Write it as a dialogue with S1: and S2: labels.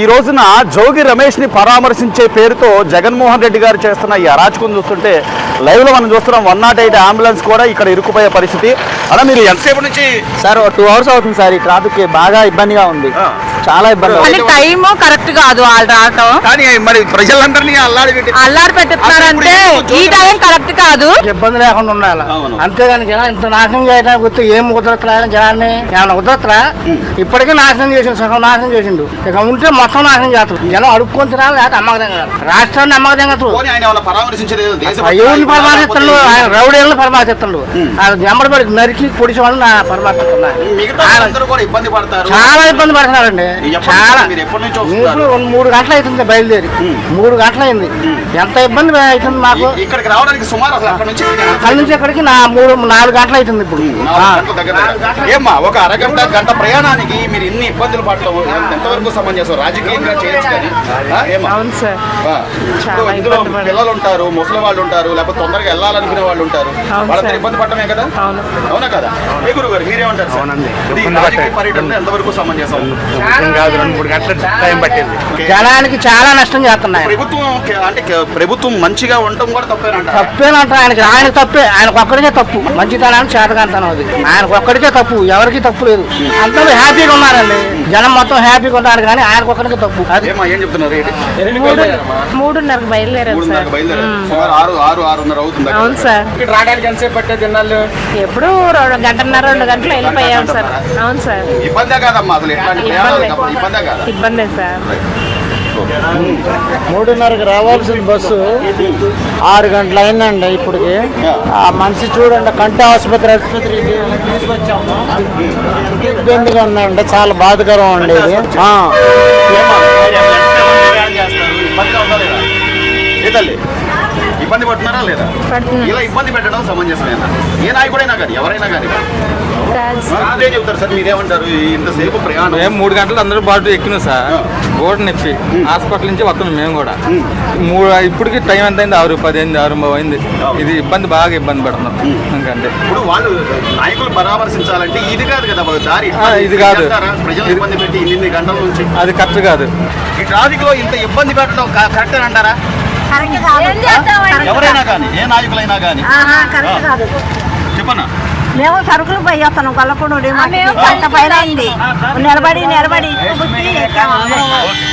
S1: రోజున జోగి రమేష్ ని పరామర్శించే పేరుతో జగన్మోహన్ రెడ్డి గారు చేస్తున్న ఈ అరాచకం చూస్తుంటే లైవ్ లో మనం చూస్తున్నాం 108 అంబులెన్స్ కూడా ఇక్కడ ఇరుక్కుపోయే పరిస్థితి. అలా మీరు ఎంతసేపు నుంచి
S2: సార్ 2 hours అవుతుంది సార్. ఈ ట్రాఫిక్ బాగా ఇబ్బందిగా ఉంది, చాలా ఇబ్బంది.
S3: టైం కరెక్ట్ కాదు వాళ్ళు రావటం,
S1: కానీ మరి ప్రజలందరినీ
S3: అల్లాడి పెట్టిస్తున్నారంటే ఈ టైం కరెక్ట్ కాదు.
S2: ఇబ్బంది లేకుండా ఉండాలి అంతేగాని జనం ఇంత నాశనం చేయడానికి గుర్తు ఏం కుదరట్లా జనాన్ని ఏమైనా కుదరట్లా. ఇప్పటికే నాశనం చేసిండు, సగం నాశనం చేసిండు, ఇక ఉంటే మొత్తం నాశనం చేస్తారు. జనం అడుక్కొని తినాలి, లేకపోతే అమ్మకం కాదు. రాష్ట్రాన్ని అమ్మకం ఎవరిని పరమాశిస్తుండు, ఆయన రౌడీలను పరమాశిస్తుండు. జమ్మడిపడి నరికి పొడిచి వాళ్ళని పరమాశిస్తున్నారు. చాలా ఇబ్బంది పడుతున్నారండి, చాలా. ఇప్పుడు 3 గంటలు అవుతుంది బయలుదేరి, 3 గంటలు అయింది. ఎంత ఇబ్బంది అవుతుంది మాకు.
S1: ఇక్కడికి రావడానికి సుమారు అక్కడి
S2: నుంచి ఇక్కడికి 4 గంటలు అవుతుంది. ఇప్పుడు
S1: ఏమ్మా ఒక అరగంట గంట ప్రయాణానికి మీరు ఇన్ని ఇబ్బందులు పడటం ఎంతవరకు సమంజసం? రాజకీయంగా చేయొచ్చు కానీ ఇందులో పిల్లలు ఉంటారు, ముసలి వాళ్ళు ఉంటారు, లేకపోతే తొందరగా వెళ్ళాలనుకునే వాళ్ళు ఉంటారు. వాళ్ళంతా ఇబ్బంది పడటమే కదా, అవునా కదా? ఏ గురువు గారు మీరేమంటారు? పర్యటన ఎంతవరకు సమంజసం?
S2: 2-3 గంటల టైం పట్టింది. జనానికి చాలా నష్టం చేస్తున్నాయి.
S1: ప్రభుత్వం మంచిగా ఉండటం కూడా
S2: తప్పేనంట. ఆయన తప్పే, ఆయనకు ఒక్కడికే తప్పు. మంచితనాన్ని చేతకాంతనం అది ఆయనకు ఒక్కడికే తప్పు, ఎవరికి తప్పు లేదు. అందరూ హ్యాపీగా ఉన్నారండి, జనం మొత్తం హ్యాపీగా ఉన్నారు, కానీ ఆయనకు ఒక్కడికే తప్పు.
S1: అది ఏం చెప్తున్నారు?
S3: 3:30 బయలుదేరారు సార్. అవును సార్.
S2: రావడానికి ఎంతసేపు పట్టే తిన్నాళ్ళు?
S3: ఎప్పుడు 1 గంటన్నర 2 గంటలు వెళ్ళిపోయాం సార్. అవును సార్.
S1: ఇబ్బందే కాదమ్మా, అసలు
S3: ఇబ్బందే సార్.
S2: 3:30కి రావాల్సిన బస్సు 6 గంటలు అయిందండి. ఇప్పటికి ఆ మనిషి చూడండి, కంటి ఆసుపత్రికి తీసుకొచ్చాము. ఇబ్బందిగా ఉందండి, చాలా బాధకరం అండి ఇది.
S1: ఇబ్బంది పడుతున్నారా లేదా? ఇలా ఇబ్బంది పెట్టడం సమంజసమేనా? ఏ నాయకుడైనా కానీ ఎవరైనా కానీ అదే చెప్తారు సార్. మీరేమంటారు? ఇంతసేపు ప్రయాణం
S4: 3 గంటలు అందరూ బాటు ఎక్కినాం సార్. గోడ నొప్పి హాస్పిటల్ నుంచి వస్తున్నాం మేము కూడా. ఇప్పటికి టైం ఎంత అయింది? 6:10 అయింది, 6:30 అయింది. ఇది ఇబ్బంది, బాగా ఇబ్బంది పడుతున్నాం. ఎందుకంటే
S1: ఇప్పుడు వాళ్ళు నాయకులు పరామర్శించాలంటే ఇది కాదు కదా దారి,
S4: ఇది కాదు.
S1: ప్రజలు ఇబ్బంది పెట్టి ఇన్ని గంటల నుంచి
S4: అది కరెక్ట్ కాదు.
S1: ఈ ట్రాఫిక్ లో ఇంత ఇబ్బంది పెట్టడం కరెక్ట్ అంటారా? ఎవరైనా కానీ, ఏ నాయకులైనా కానీ చెప్పన్నా.
S5: మేము సరుకులు పోయి వస్తాను గొల్లకొండ నిలబడి